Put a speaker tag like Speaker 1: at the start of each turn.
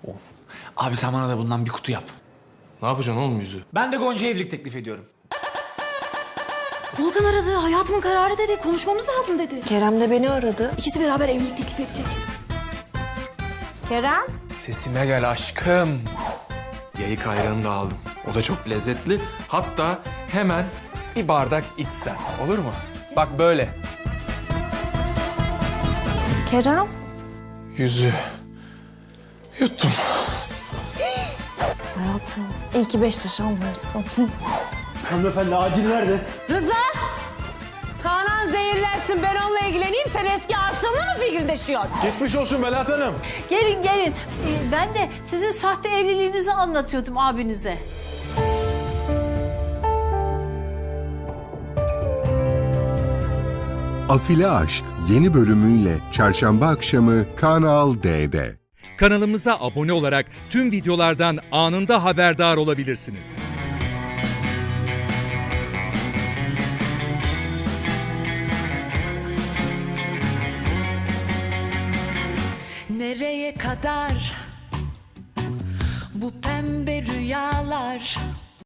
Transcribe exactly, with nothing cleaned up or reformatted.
Speaker 1: Of. Abi sen bana da bundan bir kutu yap.
Speaker 2: Ne yapacaksın oğlum yüzü?
Speaker 1: Ben de Gonca'ya evlilik teklif ediyorum.
Speaker 3: Volkan aradı. Hayatımın kararı dedi. Konuşmamız lazım dedi.
Speaker 4: Kerem de beni aradı.
Speaker 3: İkisi beraber evlilik teklif edecek.
Speaker 4: Kerem?
Speaker 2: Sesime gel aşkım. Yayık ayranı da aldım. O da çok lezzetli. Hatta hemen bir bardak içsen. Olur mu? Bak böyle.
Speaker 4: Kerem?
Speaker 2: Yüzü. Yuttum.
Speaker 4: Hayatım, iyi ki beş yaş almamışsın.
Speaker 5: Hanımefendi acil nerede?
Speaker 6: Rıza! Kanan zehirlensin, ben onunla ilgileneyim. Sen eski aşığınla mı fikirdeşiyorsun?
Speaker 5: Geçmiş olsun Melahat Hanım.
Speaker 7: Gelin gelin. Ee, ben de sizin sahte evliliğinizi anlatıyordum abinize.
Speaker 8: Afili Aşk yeni bölümüyle çarşamba akşamı Kanal D'de.
Speaker 9: Kanalımıza abone olarak tüm videolardan anında haberdar olabilirsiniz.
Speaker 10: Nereye kadar bu pembe rüyalar?